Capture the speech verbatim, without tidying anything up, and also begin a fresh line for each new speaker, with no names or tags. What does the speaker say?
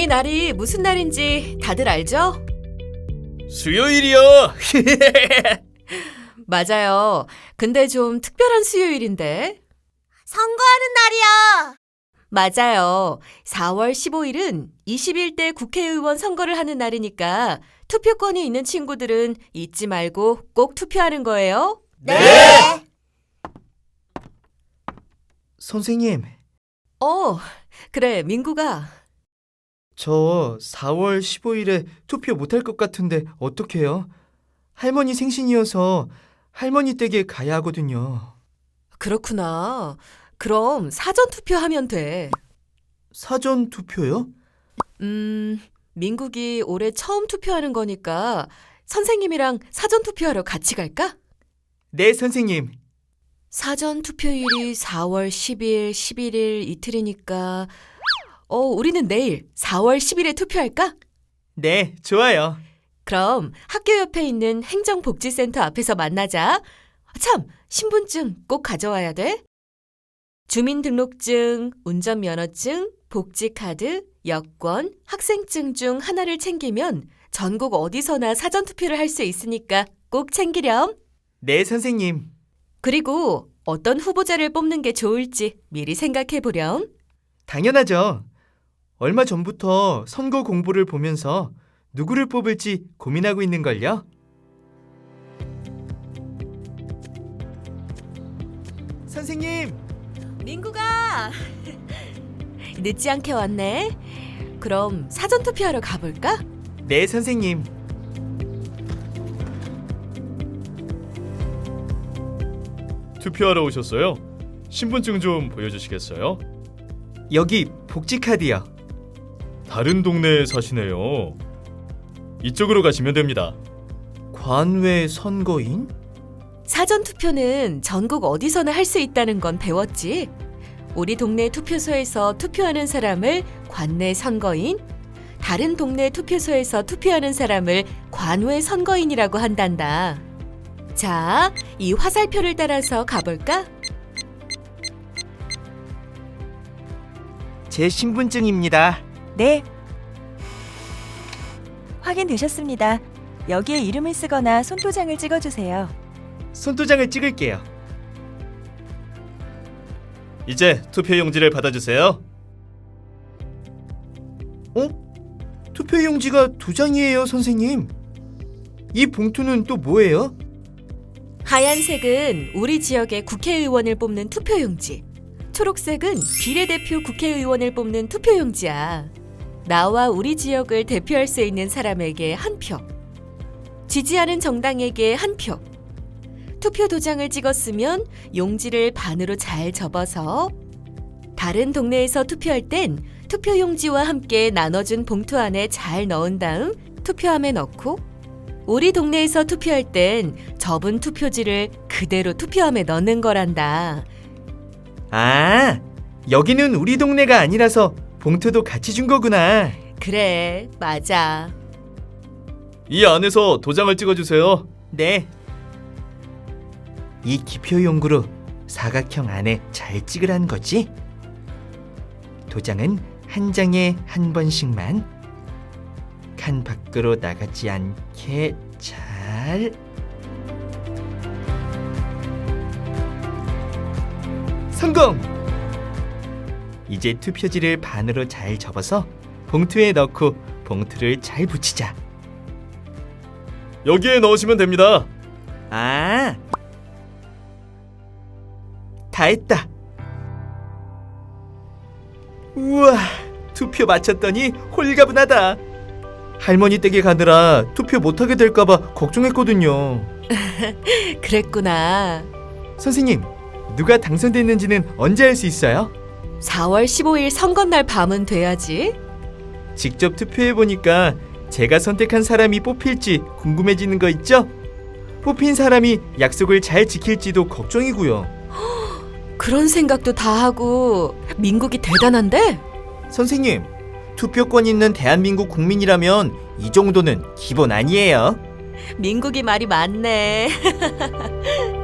이 날이 무슨 날인지 다들 알죠?
수요일이요.
맞아요. 근데 좀 특별한 수요일인데.
선거하는 날이야.
맞아요. 사월 십오일은 이십일 대 국회의원 선거를 하는 날이니까 투표권이 있는 친구들은 잊지 말고 꼭 투표하는 거예요.
네.
선생님,
어, 그래, 민구가.
저 사월 십오일에 투표 못할 것 같은데 어떡해요? 할머니 생신이어서 할머니 댁에 가야 하거든요.
그렇구나. 그럼 사전 투표하면 돼.
사전 투표요?
음, 민국이 올해 처음 투표하는 거니까 선생님이랑 사전 투표하러 같이 갈까?
네, 선생님.
사전 투표일이 사월 십일, 십일일 이틀이니까 어, 우리는 내일 사월 십일에 투표할까?
네, 좋아요.
그럼 학교 옆에 있는 행정복지센터 앞에서 만나자. 참, 신분증 꼭 가져와야 돼. 주민등록증, 운전면허증, 복지카드, 여권, 학생증 중 하나를 챙기면 전국 어디서나 사전투표를 할 수 있으니까 꼭 챙기렴.
네, 선생님.
그리고 어떤 후보자를 뽑는 게 좋을지 미리 생각해 보렴.
당연하죠. 얼마 전부터 선거 공보를 보면서 누구를 뽑을지 고민하고 있는걸요. 선생님!
민구가 늦지 않게 왔네. 그럼 사전투표하러 가볼까?
네, 선생님.
투표하러 오셨어요? 신분증 좀 보여주시겠어요?
여기 복지카드요.
다른 동네에 사시네요. 이쪽으로 가시면 됩니다.
관외 선거인?
사전투표는 전국 어디서나 할 수 있다는 건 배웠지. 우리 동네 투표소에서 투표하는 사람을 관내 선거인, 다른 동네 투표소에서 투표하는 사람을 관외 선거인이라고 한단다. 자, 이 화살표를 따라서 가볼까?
제 신분증입니다.
네. 확인되셨습니다. 여기에 이름을 쓰거나 손도장을 찍어주세요.
손도장을 찍을게요.
이제 투표 용지를 받아주세요.
어? 투표용지가 두 장이에요, 선생님. 이 봉투는 또 뭐예요?
하얀색은 우리 지역의 국회의원을 뽑는 투표용지. 초록색은 비례대표 국회의원을 뽑는 투표용지야. 나와 우리 지역을 대표할 수 있는 사람에게 한 표. 지지하는 정당에게 한 표. 투표 도장을 찍었으면 용지를 반으로 잘 접어서 다른 동네에서 투표할 땐 투표 용지와 함께 나눠준 봉투 안에 잘 넣은 다음 투표함에 넣고 우리 동네에서 투표할 땐 접은 투표지를 그대로 투표함에 넣는 거란다.
아, 여기는 우리 동네가 아니라서 봉투도 같이 준 거구나.
그래, 맞아.
이 안에서 도장을 찍어주세요.
네. 이 기표용구로 사각형 안에 잘 찍으라는 거지? 도장은 한 장에 한 번씩만 칸 밖으로 나가지 않게 잘. 성공! 이제 투표지를 반으로 잘 접어서 봉투에 넣고 봉투를 잘 붙이자.
여기에 넣으시면 됩니다.
아, 다 했다. 우와, 투표 마쳤더니 홀가분하다. 할머니 댁에 가느라 투표 못하게 될까봐 걱정했거든요.
그랬구나.
선생님, 누가 당선됐는지는 언제 알 수 있어요?
사월 십오일 선거날 밤은 돼야지.
직접 투표해보니까 제가 선택한 사람이 뽑힐지 궁금해지는 거 있죠? 뽑힌 사람이 약속을 잘 지킬지도 걱정이고요.
그런 생각도 다 하고 민국이 대단한데?
선생님, 투표권 있는 대한민국 국민이라면 이 정도는 기본 아니에요?
민국이 말이 많네.